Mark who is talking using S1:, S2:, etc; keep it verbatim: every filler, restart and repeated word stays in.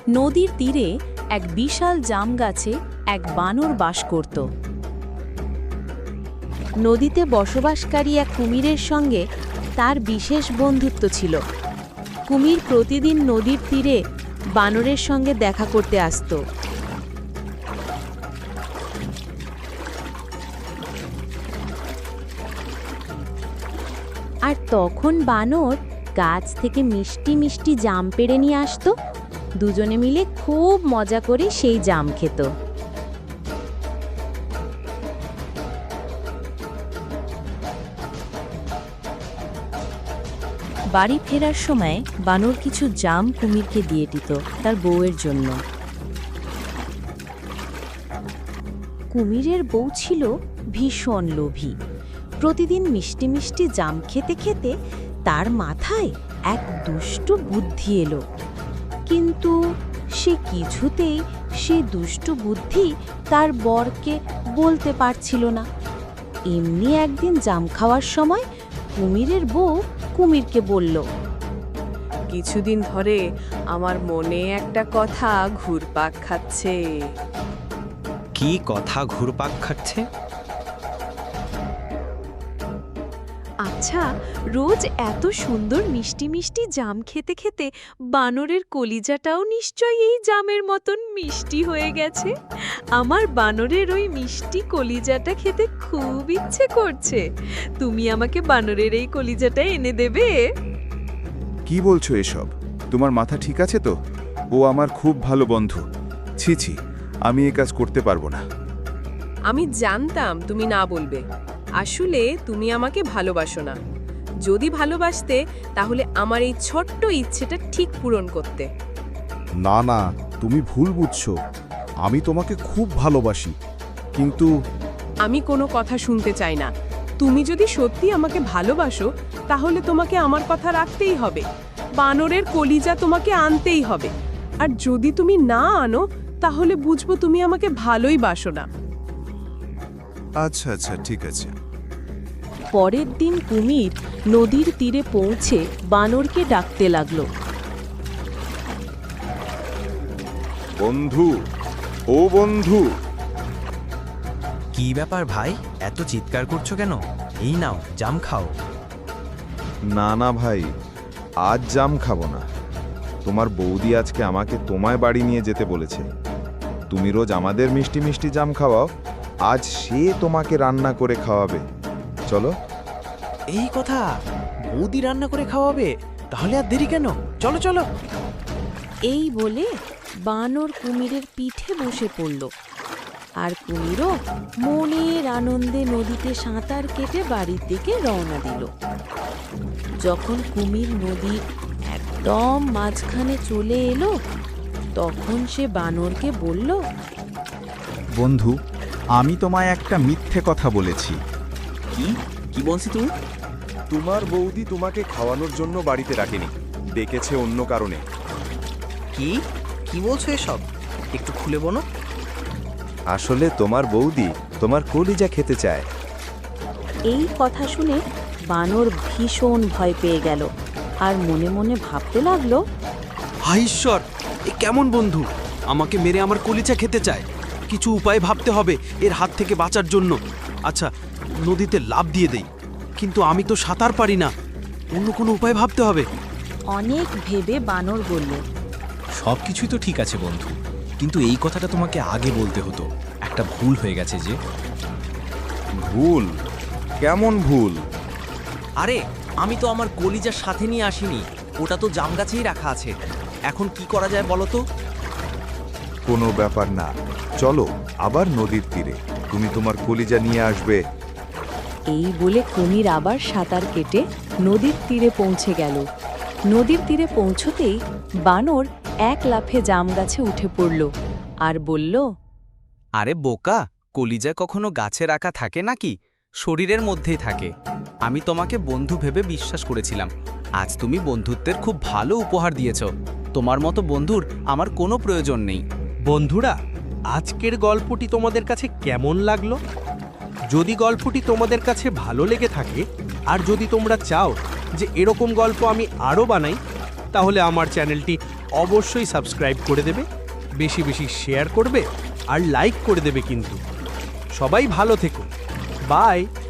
S1: নদীর তীরে এক বিশাল জাম গাছে এক বানর বাস করত। নদীতে বসবাসকারী এক কুমিরের সঙ্গে তার বিশেষ বন্ধুত্ব ছিল। কুমির প্রতিদিন নদীর তীরে বানরের সঙ্গে দেখা করতে আসত। আর তখন বানর গাছ থেকে মিষ্টি মিষ্টি জাম পেড়ে নিয়ে আসতো। দুজনে মিলে খুব মজা করে সেই জাম খেত। বাড়ি ফেরার সময় বানর কিছু জাম কুমিরকে দিয়ে দিত তার বউয়ের জন্য। কুমিরের বউ ছিল ভীষণ লোভী। প্রতিদিন মিষ্টি মিষ্টি জাম খেতে খেতে তার মাথায় এক দুষ্টু বুদ্ধি এলো, কিন্তু সে কিছুতেই সে দুষ্টু বুদ্ধি তার বরকে বলতে পারছিল না। এমনি একদিন জাম খাওয়ার সময় কুমিরের বউ কুমিরকে বলল,
S2: কিছুদিন ধরে আমার মনে একটা কথা ঘুরপাক খাচ্ছে।
S3: কি কথা ঘুরপাক খাচ্ছে?
S2: আচ্ছা, রোজ এত সুন্দর মিষ্টি মিষ্টি জাম খেতে খেতে বানরের কলিজাটাও নিশ্চয়ই এই জামের মতন মিষ্টি হয়ে গেছে। আমার বানরের ওই মিষ্টি কলিজাটা খেতে খুব ইচ্ছে করছে। তুমি আমাকে বানরের এই কলিজাটা এনে দেবে?
S4: কি বলছো এসব? তোমার মাথা ঠিক আছে তো? ও আমার খুব ভালো বন্ধু। ছি ছি, আমি এ কাজ করতে পারবো না।
S5: আমি জানতাম তুমি না বলবে। আসলে তুমি আমাকে ভালোবাসো না। যদি ভালোবাসতে তাহলে আমার এই ছোট্ট ইচ্ছেটা ঠিক পূরণ করতে।
S6: না না, তুমি ভুল বুঝছো। আমি তোমাকে খুব ভালোবাসি, কিন্তু
S5: আমি কোনো কথা শুনতে চাই না। তুমি যদি সত্যি আমাকে ভালোবাসো তাহলে তোমাকে আমার কথা রাখতেই হবে। বানরের কলিজা তোমাকে আনতেই হবে। আর যদি তুমি না আনো তাহলে বুঝবো তুমি আমাকে ভালোই বাসো না।
S4: আচ্ছা আচ্ছা, ঠিক আছে।
S1: পরের দিন কুমির নদীর তীরে পৌঁছে বানরকে ডাকতে লাগলো,
S4: বন্ধু, ও বন্ধু।
S3: কি ব্যাপার ভাই, এত চিৎকার করছো কেন? এই নাও জাম খাও।
S4: না না ভাই, আজ জাম খাবো না। তোমার বৌদি আজকে আমাকে তোমায় বাড়ি নিয়ে যেতে বলেছে। তুমি রোজ আমাদের মিষ্টি মিষ্টি জাম খাওয়াও, আজ সে তোমাকে রান্না করে খাওয়াবে। চলো।
S3: এই কথা? বৌদি রান্না করে খাওয়াবে? তাহলে আর দেরি কেন? চলো চলো।
S1: এই বলে বানর কুমিরের পিঠে বসে পড়ল। আর কুমিরও মনের আনন্দে নদীতে সাঁতার কেটে বাড়ির দিকে রওনা দিল। যখন কুমির নদীর একদম মাঝখানে চলে এলো, তখন সে বানরকে বলল,
S7: বন্ধু, আমি তোমায় একটা মিথ্যে কথা বলেছি।
S3: কি কি বলছি তুমি?
S4: তোমার বৌদি তোমাকে খাওয়ানোর জন্য বাড়িতে রাখেনি, ডেকেছে অন্য কারণে।
S3: কি কি বলছো এসব? একটু খুলে বলো।
S4: আসলে তোমার বৌদি তোমার কলিজা খেতে চায়।
S1: এই কথা শুনে বানর ভীষণ ভয় পেয়ে গেল আর মনে মনে ভাবতে লাগলো,
S8: হায় ঈশ্বর, এ কেমন বন্ধু? আমাকে মেরে আমার কলিজা খেতে চায়। কিছু উপায় ভাবতে হবে এর হাত থেকে বাঁচার জন্য। আচ্ছা, নদীতে লাফ দিয়ে দেই, কিন্তু আমি তো সাঁতার পারি না। অন্য কোনো উপায় ভাবতে হবে।
S1: অনেক ভেবে বানর বলল,
S9: সব কিছুই তো ঠিক আছে বন্ধু, কিন্তু এই কথাটা তোমাকে আগে বলতে হতো। একটা ভুল হয়ে গেছে যে।
S4: ভুল? কেমন ভুল?
S3: আরে, আমি তো আমার কলিজার সাথে নিয়ে আসিনি। ওটা তো জাম গাছেই রাখা আছে। এখন কি করা যায় বলো তো?
S4: কোনো ব্যাপার না, চলো আবার নদীর তীরে, তুমি তোমার কলিজা নিয়ে আসবে।
S1: এই বলে কুমির আবার সাঁতার কেটে নদীর তীরে পৌঁছে গেল। নদীর তীরে পৌঁছতেই বানর এক লাফে জাম গাছে উঠে পড়ল আর বলল,
S8: আরে বোকা, কলিজা কখনো গাছে রাখা থাকে নাকি? শরীরের মধ্যেই থাকে। আমি তোমাকে বন্ধু ভেবে বিশ্বাস করেছিলাম। আজ তুমি বন্ধুত্বের খুব ভালো উপহার দিয়েছ। তোমার মতো বন্ধুর আমার কোনো প্রয়োজন নেই।
S10: বন্ধুরা, আজকের গল্পটি তোমাদের কাছে কেমন লাগলো? যদি গল্পটি তোমাদের কাছে ভালো লেগে থাকে আর যদি তোমরা চাও যে এরকম গল্প আমি আরও বানাই, তাহলে আমার চ্যানেলটি অবশ্যই সাবস্ক্রাইব করে দেবে, বেশি বেশি শেয়ার করবে আর লাইক করে দেবে কিন্তু। সবাই ভালো থেকো, বাই।